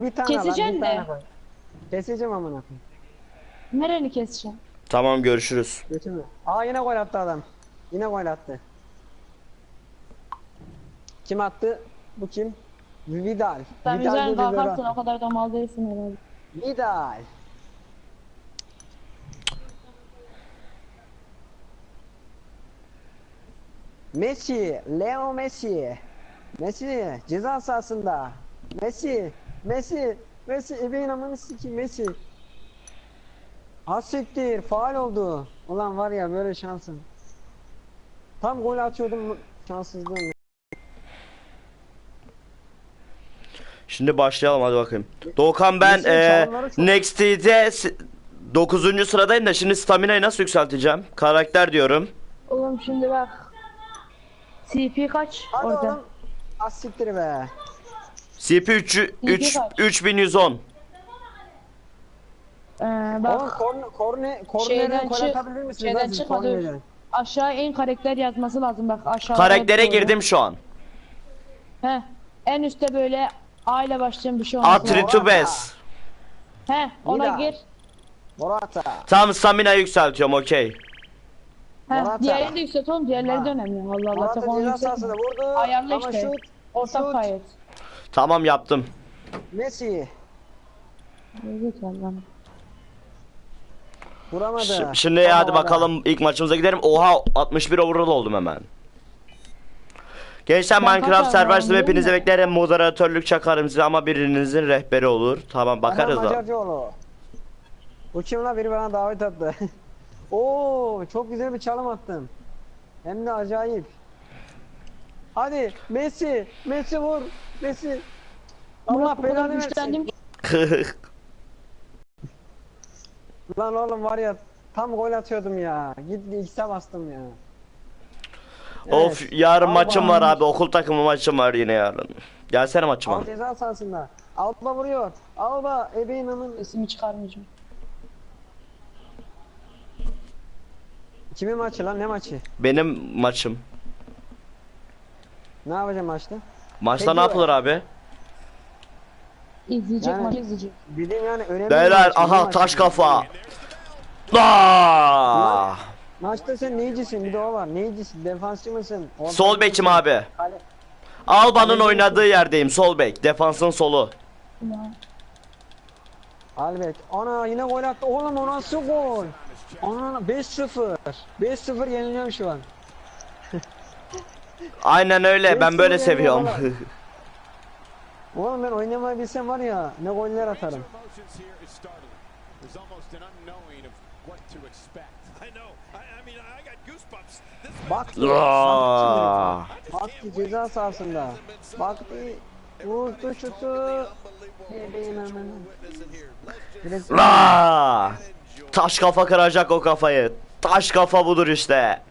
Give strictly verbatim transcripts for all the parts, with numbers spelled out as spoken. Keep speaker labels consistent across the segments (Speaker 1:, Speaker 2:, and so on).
Speaker 1: Bir tane lan,
Speaker 2: Keseceksin
Speaker 1: bir tane
Speaker 2: de.
Speaker 1: koy. Keseceğim amına koyayım.
Speaker 2: Nereni keseceğim?
Speaker 3: Tamam, görüşürüz.
Speaker 1: Götümü. Aa yine gol attı adam. Yine gol attı. Kim attı? Bu kim? Vidal.
Speaker 2: Sen
Speaker 1: Vidal
Speaker 2: üzerine
Speaker 1: bir de böyle
Speaker 2: kalkarsın, o
Speaker 1: attı.
Speaker 2: kadar da mal değilsin herhalde.
Speaker 1: Vidal. Messi, Leo Messi. Messi ceza sahasında. Messi, Messi, Messi ebeğin amanı sikeyim Messi. Hasiktir, faul oldu. Ulan var ya böyle şansın. Tam gol atıyordum, şanssızlığım.
Speaker 3: Şimdi başlayalım, hadi bakayım. Doğukan, ben
Speaker 1: Messi'nin
Speaker 3: e,
Speaker 1: çalımları çok-
Speaker 3: Next'de dokuzuncu sıradayım da şimdi stamina'yı nasıl yükselteceğim? Karakter diyorum.
Speaker 2: Oğlum şimdi bak. C P kaç
Speaker 1: Hadi
Speaker 2: orada?
Speaker 1: oğlum. Asiktir be.
Speaker 3: C P üç, üç,
Speaker 2: kaç?
Speaker 3: üç bin yüz on.
Speaker 2: Ee,
Speaker 1: Oğlum
Speaker 2: bak.
Speaker 1: korne, korne, kornere
Speaker 2: Şeyden
Speaker 1: gol
Speaker 2: çık.
Speaker 1: atabilir misiniz?
Speaker 2: Şeyden
Speaker 1: lan siz
Speaker 2: çıkma dur.
Speaker 1: kornerden?
Speaker 2: Aşağı en karakter yazması lazım bak aşağı.
Speaker 3: Karaktere girdim şu an.
Speaker 2: He. En üstte böyle A ile başlayan bir şey olması lazım.
Speaker 3: Atritubes.
Speaker 2: He, ona
Speaker 1: Vida.
Speaker 2: gir.
Speaker 1: Morata.
Speaker 3: Tam stamina yükseltiyorum, okey.
Speaker 2: He,
Speaker 1: Morata.
Speaker 2: diğerini de yükselt oğlum, diğerleri
Speaker 1: Ha.
Speaker 2: de önemli. Allah Allah,
Speaker 1: Morata
Speaker 2: tek onu
Speaker 1: ceza
Speaker 2: yükseltme.
Speaker 1: sahasında vurdu.
Speaker 2: Ayarla
Speaker 1: Ama
Speaker 2: işte.
Speaker 1: şut.
Speaker 2: Ortak
Speaker 1: şut.
Speaker 2: kayıt.
Speaker 3: Tamam, yaptım.
Speaker 1: Messi.
Speaker 2: Evet lan.
Speaker 1: Vuramadı.
Speaker 3: Ş- Şimdi
Speaker 1: Ama
Speaker 3: hadi
Speaker 1: valla.
Speaker 3: bakalım, ilk maçımıza gidelim. Oha, altmış bir overall oldum hemen. Gençler,
Speaker 2: Ben
Speaker 3: Minecraft
Speaker 2: kaç
Speaker 3: serversiniz,
Speaker 2: overall
Speaker 3: hepinizi
Speaker 2: oldum
Speaker 3: beklerim. Moderatörlük çakarım size ama birinizin rehberi olur. Tamam, bakarız
Speaker 1: Adam
Speaker 3: da.
Speaker 1: Macarcıoğlu. Bu kim lan, biri bana davet attı. Oo, çok güzel bir çalım attım. Hem de acayip. Hadi Messi, Messi vur, Messi. Allah
Speaker 2: Murat bu kadar
Speaker 1: belanı
Speaker 2: güçlendim
Speaker 1: versin.
Speaker 2: ki.
Speaker 1: Lan oğlum var ya, tam gol atıyordum ya. Gitti X'e bastım ya.
Speaker 3: Of, yarın
Speaker 1: Alba.
Speaker 3: maçım var abi. Okul takımı maçım var yine yarın. Gelsene maçıma.
Speaker 1: Al ceza sahasında. Alba vuruyor. Alba ebeğin amın.
Speaker 2: Sesimi çıkarmayacağım.
Speaker 1: Kimin maçı lan, ne maçı?
Speaker 3: Benim maçım.
Speaker 1: Ne yapacağım maçta?
Speaker 3: Maçta
Speaker 1: Peki
Speaker 3: ne
Speaker 1: o-
Speaker 3: yapılır abi?
Speaker 2: İzleyecek,
Speaker 1: Yani-
Speaker 2: maçı izleyecek.
Speaker 1: Bildiğim yani önemli bir
Speaker 3: Beyler,
Speaker 1: maç, ne
Speaker 3: aha
Speaker 1: maçı?
Speaker 3: taş kafa. Aa!
Speaker 1: Maçta sen neycisin, bir de o var. Neycisin, defansçı mısın? Orta
Speaker 3: Sol
Speaker 1: mısın?
Speaker 3: bekim abi.
Speaker 1: Kale-
Speaker 3: Alba'nın oynadığı yerdeyim, sol bek. Defansın solu.
Speaker 2: Ya.
Speaker 1: Albert. Ana yine gol attı. Oğlum o nasıl gol? Ana beş sıfır. beş sıfır yeniliyorum şu an.
Speaker 3: Aynen öyle, ben
Speaker 1: Messi
Speaker 3: böyle
Speaker 1: yani
Speaker 3: seviyorum.
Speaker 1: valla. Oğlum ben oynamayı bilsem var ya, ne goller atarım. Baktı.
Speaker 3: Aa!
Speaker 1: Baktı ceza sahasında. Baktı. Vurdu şutu. Bebeğin amına. Biraz-
Speaker 3: Aa! Taş kafa kıracak o kafayı. Taş kafa budur işte.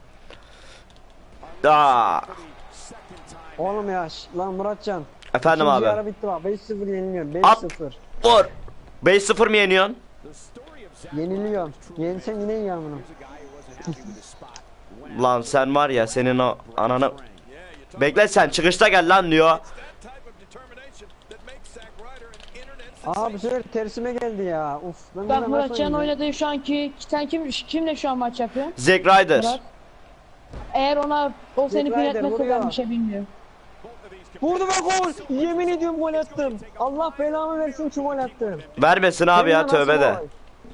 Speaker 3: Aa!
Speaker 1: Oğlum ya şş, lan Muratcan.
Speaker 3: Efendim
Speaker 1: İkinci
Speaker 3: abi.
Speaker 1: yarı bitti bak, beş sıfır yeniliyorum. beş
Speaker 3: At.
Speaker 1: sıfır.
Speaker 3: Vur. beş sıfır mı yeniyorsun?
Speaker 1: Yeniliyorum. Yensen yine yiyorum bunu.
Speaker 3: Lan sen var ya, senin o ananı... Bekle, sen çıkışta gel lan diyor.
Speaker 1: Aa bu sefer tersime geldi ya. Uf. Ben
Speaker 2: Bak
Speaker 1: buna
Speaker 2: Muratcan
Speaker 1: nasıl oynayacağım?
Speaker 2: oynadığı şu anki, sen kim kimle şu an maç yapıyorsun?
Speaker 3: Zack Ryder.
Speaker 2: Murat. Eğer ona o seni
Speaker 1: Zack
Speaker 2: pin
Speaker 1: Ryder
Speaker 2: etmezse
Speaker 1: vuruyor.
Speaker 2: ben bir şey bilmiyorum.
Speaker 1: Vurdu ve gol. Yemin ediyorum gol attım. Allah belamı versin ki gol attım.
Speaker 3: Vermesin abi ya,
Speaker 1: Seninle nasıl
Speaker 3: tövbe de.
Speaker 1: gol?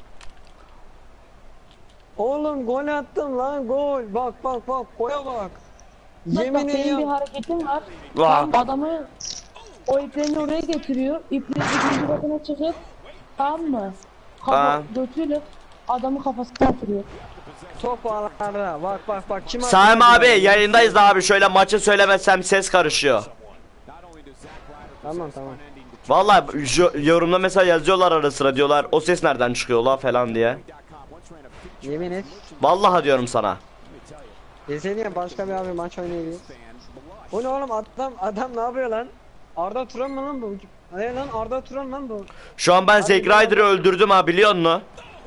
Speaker 1: Oğlum gol attım lan, gol. Bak bak bak, gola bak.
Speaker 2: Bak,
Speaker 1: Yemin
Speaker 2: bak senin bir
Speaker 1: ediyorum.
Speaker 2: hareketin var.
Speaker 3: Vah.
Speaker 2: Tam adamı o iplerini oraya getiriyor. İplerin ikinci katına çıkıp, tamam mı? Kafa
Speaker 3: Ha.
Speaker 2: götüyle adamı kafasına atıyor.
Speaker 1: Top ağlarda. Bak bak bak. Kim attı
Speaker 3: Saim
Speaker 1: lan
Speaker 3: abi,
Speaker 1: bunu?
Speaker 3: yayındayız da abi, şöyle maçı söylemezsem ses karışıyor.
Speaker 1: Tamam tamam.
Speaker 3: Vallahi jo- yorumda mesela yazıyorlar ara sıra, diyorlar o ses nereden çıkıyor la falan diye.
Speaker 1: Yemin et.
Speaker 3: Vallahi diyorum sana.
Speaker 1: Desene ya, başka bir abi maç oynayabilir. O ne oğlum, adam adam ne yapıyor lan? Arda Turan mı lan bu? Ne lan, Arda Turan lan bu?
Speaker 3: Şu an ben Zack Ryder'ı öldürdüm ha, biliyor musun?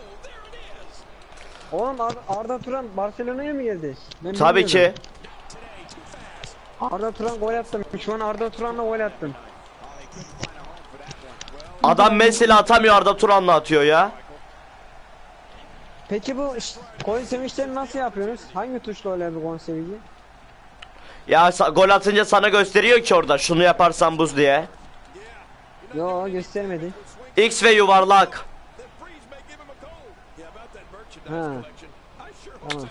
Speaker 1: Oğlum Ar Arda Turan Barcelona'ya mı geldi? Ben
Speaker 3: Tabii ki.
Speaker 1: bilmiyordum. Arda Turan gol attım. Şu an Arda Turan'la gol attım.
Speaker 3: Adam Messi'yle atamıyor, Arda Turan'la atıyor ya.
Speaker 1: Peki bu ş- gol sevinçlerini nasıl yapıyorsunuz? Hangi tuşla öyle bir gol sevinci?
Speaker 3: Ya sa- gol atınca sana gösteriyor ki orada şunu yaparsan buz diye.
Speaker 1: Yo göstermedi.
Speaker 3: X ve yuvarlak.
Speaker 1: Ha. Tamam.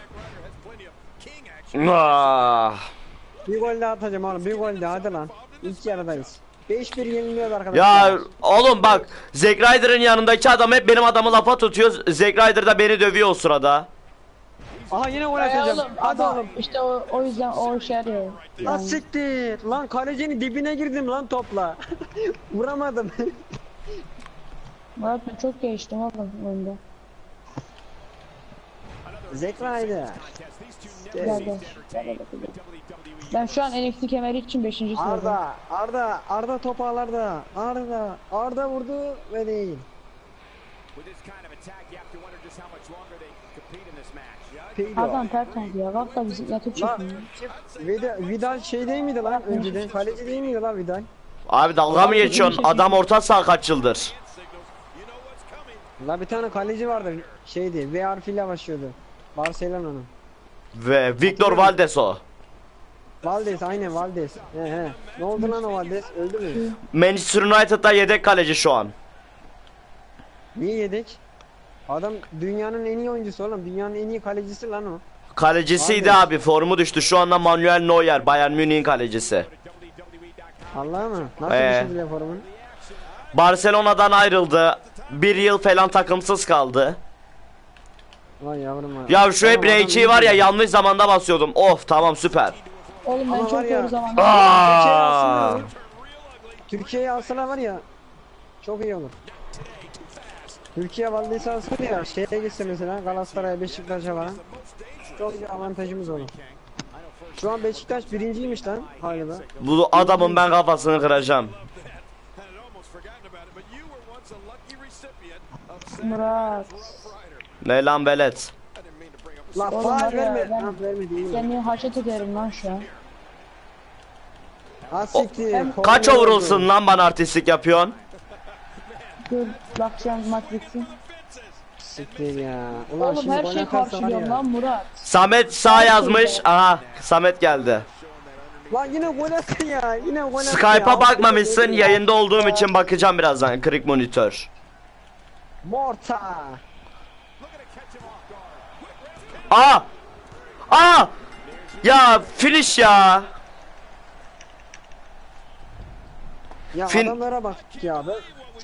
Speaker 3: Ah.
Speaker 1: Bir gol daha atacağım oğlum. Bir gol daha hadi lan. İlk yarıdayız. beş bir yeniliyoruz arkadaşlar.
Speaker 3: Ya oğlum bak, Zack Ryder'ın yanındaki adam hep benim adamı lafa tutuyor. Zack Ryder da beni dövüyor o sırada.
Speaker 1: Aha yine gol
Speaker 2: Ay
Speaker 1: atacağım.
Speaker 2: oğlum,
Speaker 1: Hadi
Speaker 2: ama
Speaker 1: oğlum.
Speaker 2: işte o, o yüzden o işe yarıyor.
Speaker 1: Lan
Speaker 2: Yani.
Speaker 1: siktir. Lan kalecinin dibine girdim lan topla. Vuramadım.
Speaker 2: Murat ben çok geçtim oğlum oyunda.
Speaker 1: Zack Ryder.
Speaker 2: Gel gel. Gel, gel, gel. Ben şu an N X T kemeri için beşinci sıradayım.
Speaker 1: Arda, Arda, Arda top ağlarda. Arda, Arda vurdu ve değil. Peydo.
Speaker 2: Adam tertemiz ya. Kalk da bizi yatıp
Speaker 1: Lan
Speaker 2: çekmiyor.
Speaker 1: Vidal, Vidal şey değil miydi lan önceden? Kaleci değil miydi lan Vidal?
Speaker 3: Abi dalga mı geçiyorsun? Adam orta saha kaç yıldır?
Speaker 1: La bir tane kaleci vardı şeydi. V harfiyle başlıyordu. Barcelona'nın.
Speaker 3: Ve Victor Valdes o.
Speaker 1: Valdes aynen Valdes. He he. Ne oldu lan o Valdes? Öldü mü?
Speaker 3: Manchester United'da yedek kaleci şu an.
Speaker 1: Niye yedek? Adam dünyanın en iyi oyuncusu oğlum. Dünyanın en iyi kalecisi lan o.
Speaker 3: Kalecisiydi
Speaker 1: Valdes.
Speaker 3: abi, formu düştü. Şu anda Manuel Neuer, Bayern Münih'in kalecisi.
Speaker 1: Allah mı? Nasıl
Speaker 3: Ee.
Speaker 1: düşürdüler formunu?
Speaker 3: Barcelona'dan ayrıldı. Bir yıl falan takımsız kaldı.
Speaker 1: Vay yavrum var.
Speaker 3: Ya şu hep
Speaker 1: Tamam, adam
Speaker 3: R2'yi
Speaker 1: iyi
Speaker 3: var ya,
Speaker 1: oynuyor.
Speaker 3: yanlış zamanda basıyordum. Of tamam, süper.
Speaker 2: Oğlum ben
Speaker 1: Ama var
Speaker 2: çok
Speaker 1: ya-
Speaker 2: doğru zamanda.
Speaker 1: Türkiye'ye
Speaker 3: Aa.
Speaker 1: alsınlar. Türkiye'ye alsalar var ya. Çok iyi olur. Türkiye Valdes'i alsın ya. Şeye gitse mesela Galatasaray'a, Beşiktaş'a falan. Çok iyi avantajımız olur. Şu an Beşiktaş birinciymiş lan galiba.
Speaker 3: Bu adamın ben kafasını kıracağım.
Speaker 2: Murat.
Speaker 3: Ne lan velet.
Speaker 1: La
Speaker 2: Oğlum
Speaker 1: faal
Speaker 2: var ya,
Speaker 1: verme.
Speaker 2: ben-
Speaker 1: Ha vermedi iyi.
Speaker 2: Seni haşet ederim lan şu an.
Speaker 1: Ha siktir.
Speaker 2: Hem-
Speaker 3: Kaç
Speaker 1: Korner
Speaker 3: overall'sın
Speaker 1: oldu.
Speaker 3: lan bana artistlik yapıyorsun?
Speaker 2: Dur bakacağım maç bitsin.
Speaker 1: Siktir ya. Ulan
Speaker 2: Oğlum
Speaker 1: şimdi
Speaker 2: her
Speaker 1: gol
Speaker 2: şeyi
Speaker 1: atarsa var
Speaker 2: karşılıyorum
Speaker 1: ya.
Speaker 2: lan Murat.
Speaker 3: Samet sağ yazmış. Aha Samet geldi.
Speaker 1: Lan yine gol attı ya. Yine gol attı ya.
Speaker 3: Skype'a bakmamışsın.
Speaker 1: Ya.
Speaker 3: Yayında olduğum için bakacağım birazdan. Kırık monitör.
Speaker 1: Morta.
Speaker 3: Aa! Aa! Ya finish ya.
Speaker 1: Ya
Speaker 3: Fin-
Speaker 1: adamlara bak ya be.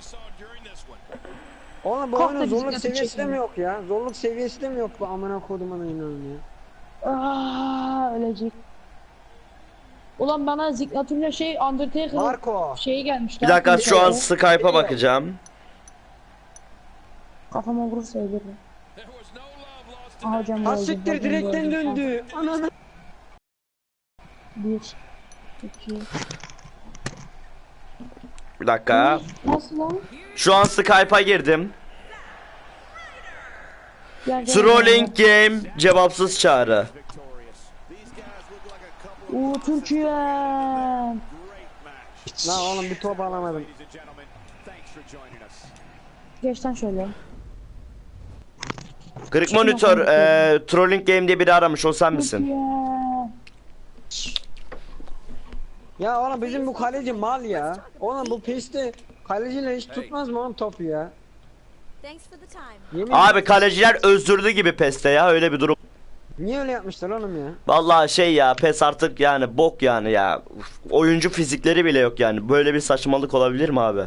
Speaker 1: Oğlum bu
Speaker 2: Kalk da
Speaker 1: oyunun
Speaker 2: bizi
Speaker 1: zorluk
Speaker 2: götür
Speaker 1: seviyesi de
Speaker 2: çekin.
Speaker 1: mi yok ya? Zorluk seviyesi de mi yok bu amına kodumun oyunun ya?
Speaker 2: Aa, ölecek. Ulan bana ziknatürle şey Undertaker
Speaker 1: Marco.
Speaker 2: şeyi gelmiş.
Speaker 3: Bir
Speaker 2: lan,
Speaker 3: dakika şu an
Speaker 2: Undertaker.
Speaker 3: Skype'a bakacağım.
Speaker 2: Kafama vurursa ölürüm. Aha hocam
Speaker 1: Ha
Speaker 2: öldü,
Speaker 1: siktir
Speaker 2: hocam
Speaker 1: direkten
Speaker 2: öldü.
Speaker 1: döndü. Ananı.
Speaker 2: Bir, iki.
Speaker 3: Bir dakika.
Speaker 2: Nasıl lan?
Speaker 3: Şu an Skype'a girdim.
Speaker 2: Gel, gel,
Speaker 3: Trolling game cevapsız çağrı.
Speaker 2: gel. Oo Türkiye.
Speaker 1: Lan oğlum bir top alamadım.
Speaker 2: Geç lan şöyle.
Speaker 3: Kırık monitör eee trolling game diye biri aramış, o sen misin?
Speaker 2: Türkiye.
Speaker 1: Ya oğlum bizim bu kaleci mal ya. Oğlum bu piste kaleciyle hiç tutmaz mı oğlum topu ya?
Speaker 4: Thanks for the time.
Speaker 1: Yemin
Speaker 3: Abi kaleciler özürlü gibi PES'te ya, öyle bir durum.
Speaker 1: Niye öyle yapmışlar oğlum ya?
Speaker 3: Vallahi şey ya, PES artık yani bok yani ya. Uf, oyuncu fizikleri bile yok yani. Böyle bir saçmalık olabilir mi abi?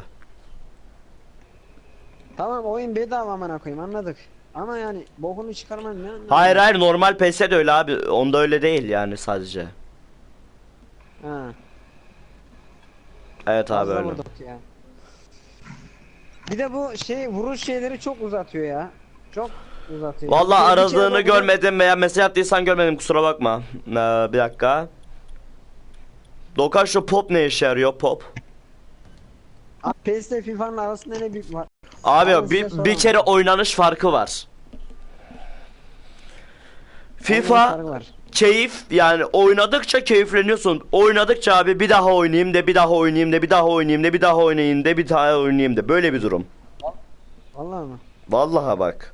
Speaker 1: Tamam oyun bedava amına koyayım anladık. Ama yani bokunu çıkarman ne anlamı?
Speaker 3: Hayır hayır, normal PES'e de öyle abi. Onda öyle değil yani sadece.
Speaker 1: Ha.
Speaker 3: Evet abi
Speaker 1: Fazla
Speaker 3: öyle.
Speaker 1: vurduk ya. Bir de bu şey vuruş şeyleri çok uzatıyor ya. Çok uzatıyor.
Speaker 3: Vallahi
Speaker 1: Bir kere
Speaker 3: aradığını
Speaker 1: dokunup-
Speaker 3: görmedim veya mesaj attıysan görmedim, kusura bakma. Ee, bir dakika. Dokan şu pop ne işe yarıyor, pop?
Speaker 1: Abi P E S ile FIFA'nın arasında ne büyük var?
Speaker 3: Abi
Speaker 1: Abi size
Speaker 3: bir, bir
Speaker 1: soramam.
Speaker 3: kere oynanış farkı var.
Speaker 1: Oynanış
Speaker 3: FIFA
Speaker 1: farkı var.
Speaker 3: keyif, yani oynadıkça keyifleniyorsun. Oynadıkça abi bir daha oynayayım de bir daha oynayayım de bir daha oynayayım de bir daha oynayayım de bir daha oynayayım de böyle bir durum.
Speaker 1: Vallahi mı?
Speaker 3: Vallahi bak.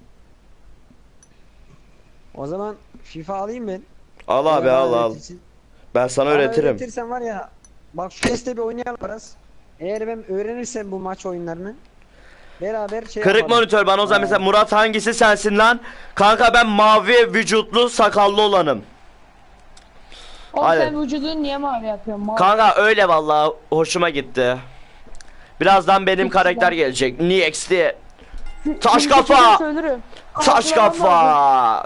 Speaker 1: O zaman FIFA alayım ben.
Speaker 3: Al abi
Speaker 1: Bana
Speaker 3: al al.
Speaker 1: öğretirsin.
Speaker 3: Ben sana
Speaker 1: Bana
Speaker 3: öğretirim.
Speaker 1: öğretirsen var ya. Bak şu teste bir oynayalım biraz. Eğer ben öğrenirsem bu maç oyunlarını beraber şey
Speaker 3: Kırık
Speaker 1: yapalım.
Speaker 3: monitör bana o zaman
Speaker 1: Aa.
Speaker 3: mesela Murat hangisi sensin lan? Kanka ben mavi vücutlu sakallı olanım.
Speaker 2: O
Speaker 3: Hadi.
Speaker 2: sen vücudunu niye mavi yapıyorsun? Mavi.
Speaker 3: Kanka öyle vallahi hoşuma gitti. Birazdan benim
Speaker 2: Peki,
Speaker 3: karakter
Speaker 2: ben-
Speaker 3: gelecek. Nix diye. Taş
Speaker 2: Şimdi
Speaker 3: kafa!
Speaker 2: çekilirse ölürüm.
Speaker 3: Taş
Speaker 2: Karşılamam lazım.
Speaker 3: kafa!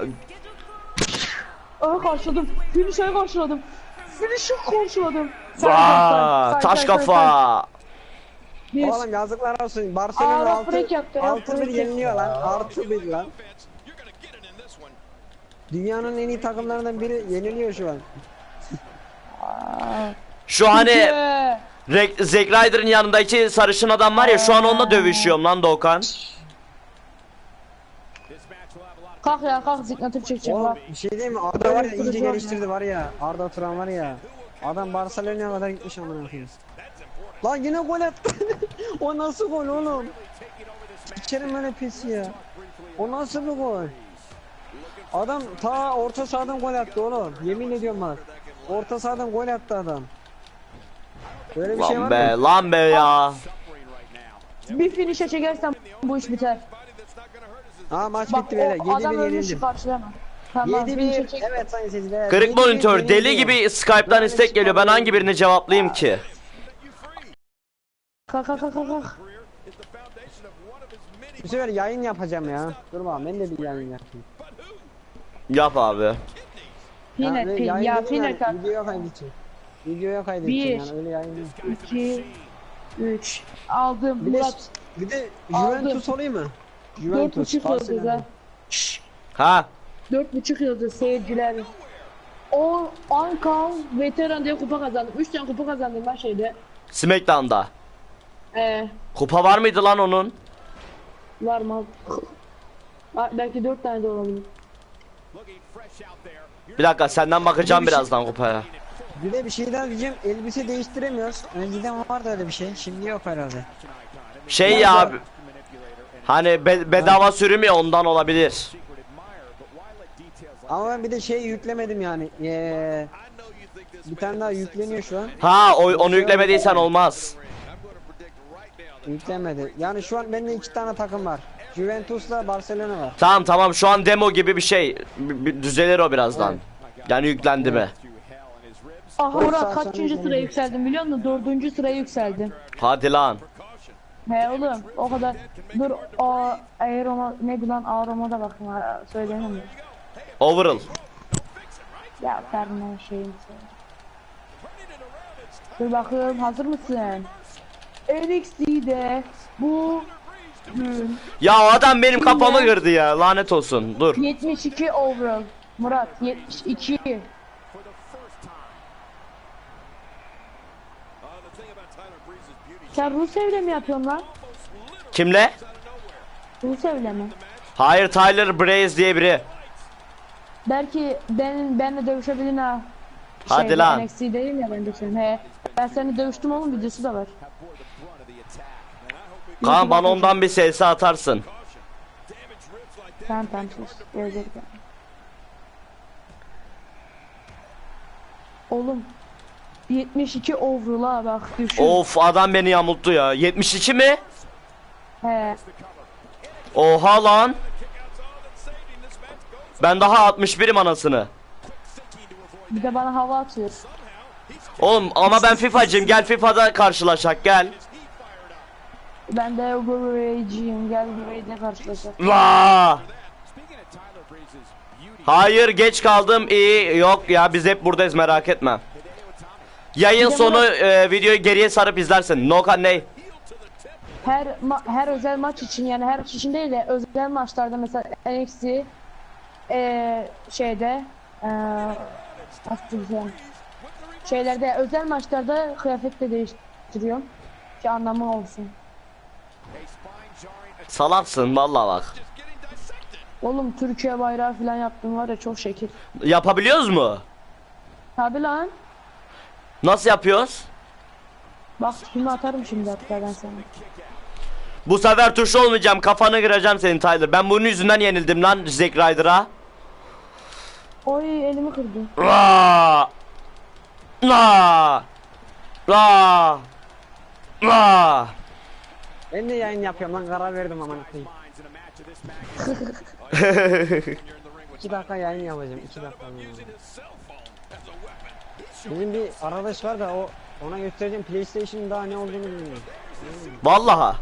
Speaker 2: Aa karşıladım. Finish'e karşıladım. Finish'e karşıladım. Say,
Speaker 3: Vaa,
Speaker 2: say, say,
Speaker 3: taş
Speaker 2: say, say, say.
Speaker 3: kafa!
Speaker 2: Bir.
Speaker 1: Oğlum yazıklar olsun. Barcelona
Speaker 2: Aa, bak,
Speaker 1: altı
Speaker 2: break yaptı,
Speaker 1: altı bir
Speaker 2: break
Speaker 1: yeniliyor lan.
Speaker 2: yaptı.
Speaker 1: Artı bir lan. Dünyanın en iyi takımlarından biri yeniliyor şu an.
Speaker 2: Aa,
Speaker 3: Şu hani
Speaker 2: Türkiye.
Speaker 3: Re- Zack Ryder'ın yanındaki sarışın adam var ya, şu an onunla dövüşüyorum lan Doğukan.
Speaker 2: Kalk ya kalk ziknatür çekeceğim
Speaker 1: Oğlum
Speaker 2: bak.
Speaker 1: bir şey diyeyim mi? Arda var ya iyice
Speaker 2: Kırıcı var
Speaker 1: geliştirdi var ya. Arda Turan var ya. Adam Barcelona'ya kadar gitmiş amına koyayım. Lan yine gol attı. O nasıl gol oğlum? İçerim öyle pis ya. O nasıl bir gol? Adam ta orta sahadan gol attı oğlum. Yemin ediyorum bak. Orta sahadan gol attı adam. Böyle bir şey var
Speaker 3: Lan be
Speaker 1: mı?
Speaker 3: lan be ya.
Speaker 2: Bir finish'e çekersem bu iş biter.
Speaker 1: Ha maç
Speaker 2: Bak
Speaker 1: bitti böyle.
Speaker 2: o adam
Speaker 1: yedi bir
Speaker 2: ölmüş
Speaker 1: yenildim.
Speaker 2: karşılayamam. Tamam
Speaker 1: yedi
Speaker 2: finish'e
Speaker 1: bir.
Speaker 2: çek.
Speaker 1: Evet sayın seyirciler.
Speaker 3: Kırık
Speaker 1: yedi bir
Speaker 3: monitör deli
Speaker 1: yenildim.
Speaker 3: gibi Skype'dan istek geliyor. Ben hangi birini cevaplayayım ki?
Speaker 2: Kalk kalk kalk kalk.
Speaker 1: Bu sefer yayın yapacağım ya. Dur bakalım ben de bir yayın yapayım.
Speaker 3: Yap abi.
Speaker 2: Yine
Speaker 1: Yani
Speaker 2: pin
Speaker 1: yayın
Speaker 2: ya
Speaker 1: dedim
Speaker 2: piner
Speaker 1: yani,
Speaker 2: kalk.
Speaker 1: Videoya kaydedeceğim. Videoya kaydedeceğim
Speaker 2: Bir.
Speaker 1: yani öyle yayın değil.
Speaker 2: iki üç aldım
Speaker 1: Bir de,
Speaker 2: Murat.
Speaker 1: bir de
Speaker 2: Aldım.
Speaker 1: Juventus olayım mı?
Speaker 2: Dört
Speaker 1: Juventus.
Speaker 2: buçuk yıldız
Speaker 1: Barcelona.
Speaker 2: ha. Şşş,
Speaker 3: Ha?
Speaker 2: Dört buçuk yıldız seyirciler. O Ankara veteran diye kupa kazandım. Üç tane kupa kazandım ben şeyde.
Speaker 3: Smackdown'da.
Speaker 2: Ee,
Speaker 3: Kupa var mıydı lan onun?
Speaker 2: var mı? Var, belki dört tane de olabilir.
Speaker 3: Bir dakika senden bakacağım birazdan kupaya.
Speaker 1: Bir de bir şey daha diyeceğim. Elbise değiştiremiyoruz. Önceden vardı öyle bir şey. Şimdi yok herhalde.
Speaker 3: Şey ya abi. Hani be- bedava sürüm ya, ondan olabilir.
Speaker 1: Ama ben bir de şey yüklemedim yani. Ee, bir tane daha yükleniyor şu an.
Speaker 3: Ha o- onu yüklemediysen olmaz.
Speaker 1: Yüklenmedi. Yani şu an bende iki tane takım var. Juventus'la Barcelona var.
Speaker 3: Tamam tamam, şu an demo gibi bir şey. B- b- düzelir o birazdan. Yani yüklendi mi?
Speaker 2: Aha
Speaker 1: Dört
Speaker 2: Murat
Speaker 1: saat sonra
Speaker 2: kaçıncı sıraya
Speaker 1: izlenecek.
Speaker 2: yükseldim biliyor musun? Dördüncü sıraya yükseldim.
Speaker 3: Hadi lan.
Speaker 2: He oğlum o kadar. Dur o Aeroma ne lan Aeroma'da bakın ha, söyleyemem ya.
Speaker 3: Overall.
Speaker 2: Ya Ferman şeyim Dur bakayım hazır mısın? N X T'de bu gün
Speaker 3: Ya o adam benim kafamı kırdı ya. Lanet olsun. Dur.
Speaker 2: yetmiş iki overall. Murat yetmiş iki. Sen Rusev'le mi yapıyorsun lan?
Speaker 3: Kimle?
Speaker 2: Rusev'le mi?
Speaker 3: Hayır, Tyler Breeze diye biri.
Speaker 2: Belki ben benle dövüşebilin ha.
Speaker 3: Hadi
Speaker 2: Şeyde,
Speaker 3: lan.
Speaker 2: N X T'deyim ya ben de senin. He. Ben seni dövüştüm oğlum videosu da var.
Speaker 3: Kaan bana ondan bir S S atarsın.
Speaker 2: Tamam tamam sus. Gelecek yani. Oğlum yetmiş iki overall'a bak düşün.
Speaker 3: Of, adam beni yamulttu ya. yetmiş iki mi?
Speaker 2: He.
Speaker 3: Oha lan. Ben daha altmış birim anasını.
Speaker 2: Bir de bana hava atıyor.
Speaker 3: Oğlum ama ben FIFA'cıyım, gel FIFA'da karşılaşak gel.
Speaker 2: Ben de Overrage'yim. Gel Overrage'le karşılaşalım.
Speaker 3: La. Hayır, geç kaldım, iyi. Yok ya, biz hep buradayız, merak etme. Yayın sonu e, videoyu geriye sarıp izlersin. No kan ney?
Speaker 2: Her ma- her özel maç için yani her maç için değil de özel maçlarda mesela N X T eee şeyde eee nasıl diyeceğim şeylerde özel maçlarda kıyafet de değiştiriyorum ki anlamı olsun.
Speaker 3: Salaksın vallahi bak.
Speaker 2: Oğlum Türkiye bayrağı falan yaptım var ya, çok şekil.
Speaker 3: Yapabiliyoruz mu?
Speaker 2: Tabi lan.
Speaker 3: Nasıl yapıyoruz?
Speaker 2: Bak şimdi atarım şimdi hatta ben sana.
Speaker 3: Bu sefer tuş olmayacağım, kafanı kıracağım senin Tyler. Ben bunun yüzünden yenildim lan Zack Ryder'a.
Speaker 2: Oy elimi kırdı.
Speaker 3: La la la la.
Speaker 1: Ben de yayın yapıyorum lan, karar verdim aman koyayım. iki dakika yayın yapacağım, iki dakika. Bizim bir arkadaş var da o ona göstereceğim PlayStation'ın daha ne olduğunu bilmiyorum.
Speaker 3: Vallaha.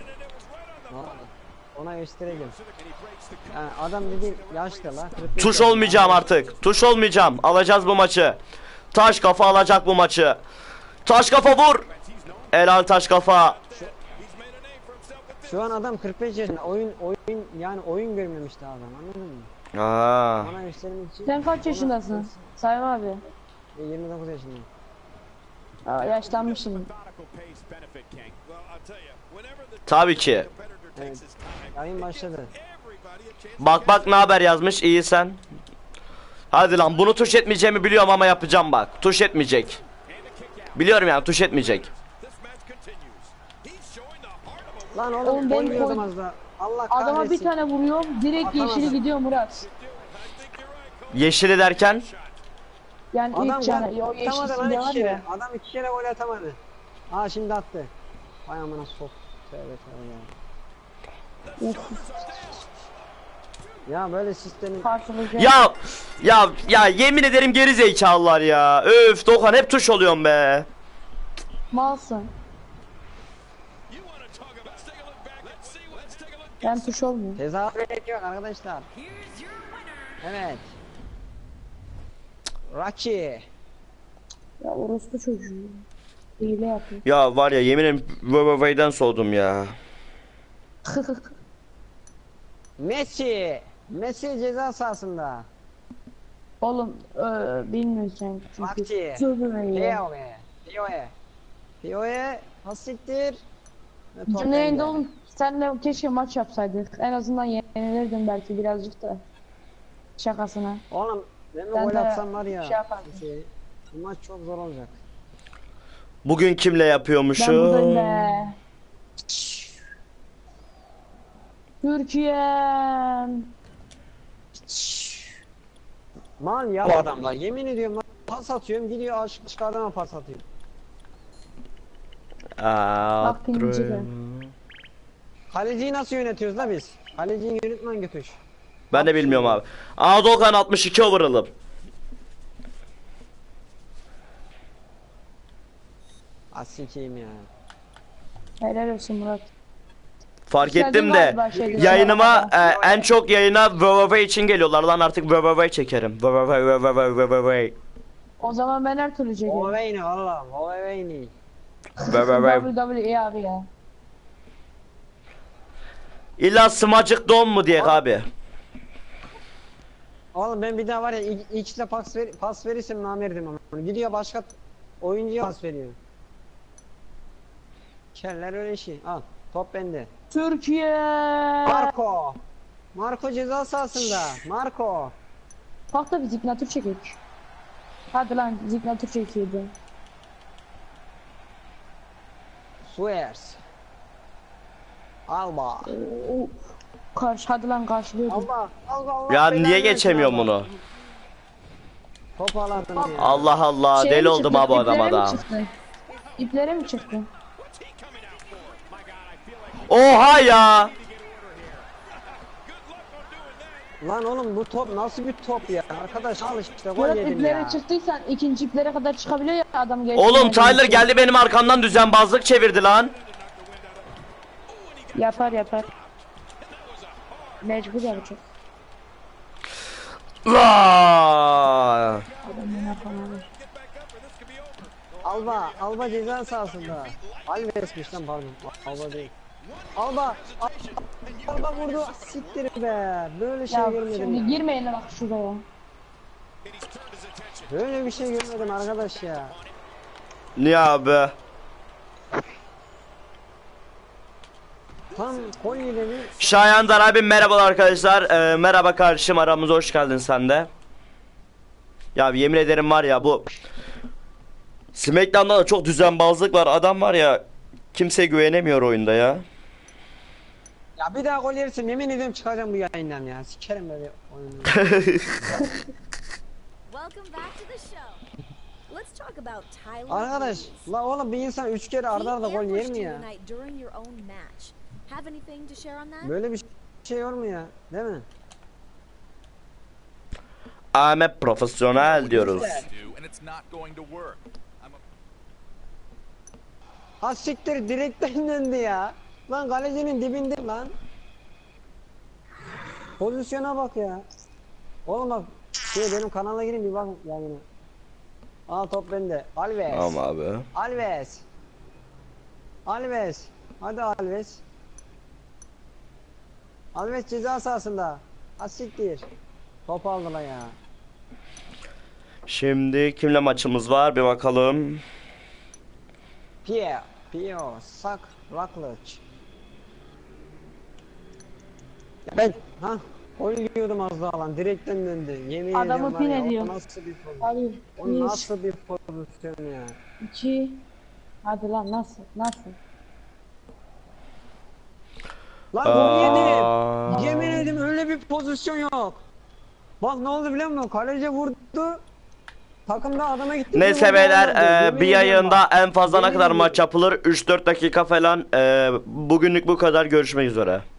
Speaker 1: Ona göstereceğim. Yani adam dedi yaşlı la. kırk beş
Speaker 3: Tuş
Speaker 1: yaşında.
Speaker 3: olmayacağım artık. Tuş olmayacağım. Alacağız bu maçı. Taş kafa alacak bu maçı. Taş kafa vur. Helal taş kafa.
Speaker 1: Şu an adam kırk beş yaşında. Oyun oyun yani oyun görmemiş daha adam, anladın mı?
Speaker 3: Aa.
Speaker 1: Ona göstermek için.
Speaker 2: Sen kaç yaşındasın? Sayın abi.
Speaker 1: E, yirmi dokuz yaşındayım.
Speaker 2: Aa, yaşlanmışsın.
Speaker 3: Tabii ki.
Speaker 1: Evet. Yayın başladı.
Speaker 3: Bak bak ne haber yazmış, iyi sen. Hadi lan, bunu tuş etmeyeceğimi biliyorum ama yapacağım bak. Tuş etmeyecek. Biliyorum yani, tuş etmeyecek.
Speaker 1: Lan oğlum,
Speaker 2: Oğlum ben
Speaker 1: oynuyordum
Speaker 2: koy-
Speaker 1: az da. Allah kahretsin.
Speaker 2: Adama bir tane vuruyorum direkt
Speaker 1: Atamadım.
Speaker 2: yeşili gidiyor Murat.
Speaker 3: Yeşili derken
Speaker 2: Yani
Speaker 1: Adam
Speaker 2: ilk tane
Speaker 1: gol
Speaker 2: o
Speaker 1: atamadı
Speaker 2: yeşil
Speaker 1: lan
Speaker 2: var
Speaker 1: iki kere.
Speaker 2: ya.
Speaker 1: Adam iki kere gol atamadı. Aa şimdi attı. Vay amına sok. Tövbe tövbe ya.
Speaker 2: Of,
Speaker 1: Ya böyle sistemin
Speaker 2: karşılayacak.
Speaker 3: ya ya ya yemin ederim geri zekalılar ya. Öf Doğan, hep tuş oluyorum be.
Speaker 2: Malsın. Ben tuş olmuyor.
Speaker 1: tezahürat yok arkadaşlar. Evet. Rocky.
Speaker 2: Ya orospu çocuğu. Hile yapıyor.
Speaker 3: Ya var ya, yemin ederim Vavavay'dan soğudum ya.
Speaker 1: Messi. Messi ceza sahasında.
Speaker 2: Oğlum e, bilmiyorsun çünkü.
Speaker 1: Rocky.
Speaker 2: Sövme ya.
Speaker 1: Pioe. Pioe. Pioe. Hasiktir.
Speaker 2: Canlı yayında oğlum senle keşke maç yapsaydık. En azından yenilirdim belki birazcık da. Şakasına.
Speaker 1: Oğlum ben de
Speaker 2: Ben
Speaker 1: gol
Speaker 2: de
Speaker 1: atsam var ya.
Speaker 2: şey yapardım.
Speaker 1: Şey, bu maç çok zor olacak.
Speaker 3: Bugün kimle
Speaker 2: Ben buradayım
Speaker 3: yapıyormuşum?
Speaker 2: be. Türkiye'm.
Speaker 1: Mal ya bu adamlar. Yemin ediyorum lan, pas atıyorum gidiyor aşık çıkardığıma pas atıyor.
Speaker 2: Bak pinci de.
Speaker 1: Kaleciyi nasıl yönetiyoruz la biz? Kaleciyi yönetmen götür.
Speaker 3: Ben de bilmiyorum abi. Aa Doğan altmış iki overall'ım.
Speaker 1: Asikeyim ya.
Speaker 2: Helal olsun Murat.
Speaker 3: Fark
Speaker 2: Geldin
Speaker 3: ettim de
Speaker 2: galiba şeyde.
Speaker 3: yayınıma e, en çok yayına Vavavay için geliyorlar lan, artık Vavavay çekerim. Vavavay Vavavay Vavavay.
Speaker 2: O zaman ben her türlü çekerim.
Speaker 1: Oveyni valla. Oveyni.
Speaker 3: Vavavay.
Speaker 2: W W E abi ya.
Speaker 3: İlla smacık don mu diye abi.
Speaker 1: Oğlum ben bir daha var ya ilk- X'le pas, ver, pas verirsem namerdim ama. Gidiyor başka oyuncuya pas veriyor. Keller öyle şey. Al. Top bende.
Speaker 2: Türkiye.
Speaker 1: Marco. Marco ceza sahasında. Marco.
Speaker 2: Kalk da bir ziknatür çekek. Hadi lan ziknatür çekiyordu.
Speaker 1: Suez. Alba.
Speaker 2: Oo, Karşı hadi lan karşılıyordum.
Speaker 1: Allah. Allah Allah.
Speaker 3: Ya
Speaker 1: belanı
Speaker 3: niye
Speaker 1: versin
Speaker 3: geçemiyorum
Speaker 1: Allah.
Speaker 3: bunu?
Speaker 1: Top aladım ya.
Speaker 3: Allah Allah,
Speaker 2: Şeye
Speaker 3: deli
Speaker 2: mi
Speaker 3: oldum
Speaker 2: çıktı,
Speaker 3: ha bu
Speaker 2: iplere
Speaker 3: adama
Speaker 2: mi
Speaker 3: da.
Speaker 2: çıktı? İplere mi çıktı?
Speaker 3: Oha ya.
Speaker 1: Lan oğlum bu top nasıl bir top ya? Arkadaş al işte gol
Speaker 2: Murat
Speaker 1: yedim
Speaker 2: iplere
Speaker 1: ya.
Speaker 2: çıktıysan ikinci iplere kadar çıkabiliyor ya adam geçti.
Speaker 3: Oğlum Tyler geldi benim arkamdan düzenbazlık çevirdi lan.
Speaker 2: Yapar yapar. Mecbur yapacak.
Speaker 3: Vaa!
Speaker 2: Adamın yapamadı.
Speaker 1: Alba, Alba ceza sahasında. Alves'miş lan pardon. Alba değil. Alba, Al- Alba vurdu. Siktir be. Böyle şey
Speaker 2: Ya
Speaker 1: görmedim
Speaker 2: şimdi
Speaker 1: ya.
Speaker 2: girmeyin bak şuraya.
Speaker 1: Böyle bir şey görmedim arkadaş ya.
Speaker 3: Niye abi?
Speaker 1: Tam gol yedeni.
Speaker 3: Şayandan abi merhabalar arkadaşlar. Ee, merhaba kardeşim, aramıza hoş geldin sen de. Ya yemin ederim var ya, bu Smackdown'da da çok düzenbazlık var. Adam var ya, kimseye güvenemiyor oyunda ya.
Speaker 1: Ya bir daha gol yersin yemin ediyorum çıkacağım bu yayından ya. Sikerim böyle oyunu.
Speaker 4: Welcome back to the show. Let's talk about Tyler.
Speaker 1: Arkadaş
Speaker 4: Breeze.
Speaker 1: la oğlum bir insan üç kere arda arda
Speaker 4: He
Speaker 1: gol yer
Speaker 4: ambushed
Speaker 1: mi
Speaker 4: you
Speaker 1: ya?
Speaker 4: tonight during your own match. Have anything to share on that?
Speaker 1: Böyle bir şey olur mu ya? Değil mi?
Speaker 3: Ahmet profesyonel diyoruz.
Speaker 5: do, and it's not going to work. I'm a
Speaker 1: Ha siktir direkten döndü ya. Lan kalecinin dibinde lan. Pozisyona bak ya. Oğlum bak şey benim kanala girin bir bakın yayına. Aa top bende. Alves.
Speaker 3: Tamam abi.
Speaker 1: Alves. Alves. Hadi Alves. Alves ceza sahasında. Ha siktir. Top aldılar ya.
Speaker 3: Şimdi kimle maçımız var bir bakalım.
Speaker 1: Pierre. Pierre. Sak. Rockledge. Ben ha gol yiyordum az daha lan direkten döndü. Yemin
Speaker 2: Adamı
Speaker 1: ediyorum var
Speaker 2: pin
Speaker 1: ya,
Speaker 2: ediyor.
Speaker 1: o nasıl bir pozisyon?
Speaker 2: Hadi
Speaker 1: O
Speaker 2: bir,
Speaker 1: nasıl bir pozisyon ya?
Speaker 2: iki. Hadi lan nasıl? Nasıl?
Speaker 1: Lan gol yedim.
Speaker 3: Aa,
Speaker 1: Yemin ederim öyle bir pozisyon yok. Bak ne oldu biliyor musun? Kaleci vurdu. Takımda adama gitti.
Speaker 3: neyse
Speaker 1: Vurdu,
Speaker 3: beyler,
Speaker 1: olmadı.
Speaker 3: e,
Speaker 1: Yemin
Speaker 3: bir
Speaker 1: ediyorum
Speaker 3: yayında
Speaker 1: bak.
Speaker 3: en fazla ne
Speaker 1: Yemin
Speaker 3: kadar
Speaker 1: ediyorum.
Speaker 3: maç yapılır? üç dört dakika falan. E, bugünlük bu kadar, görüşmek üzere.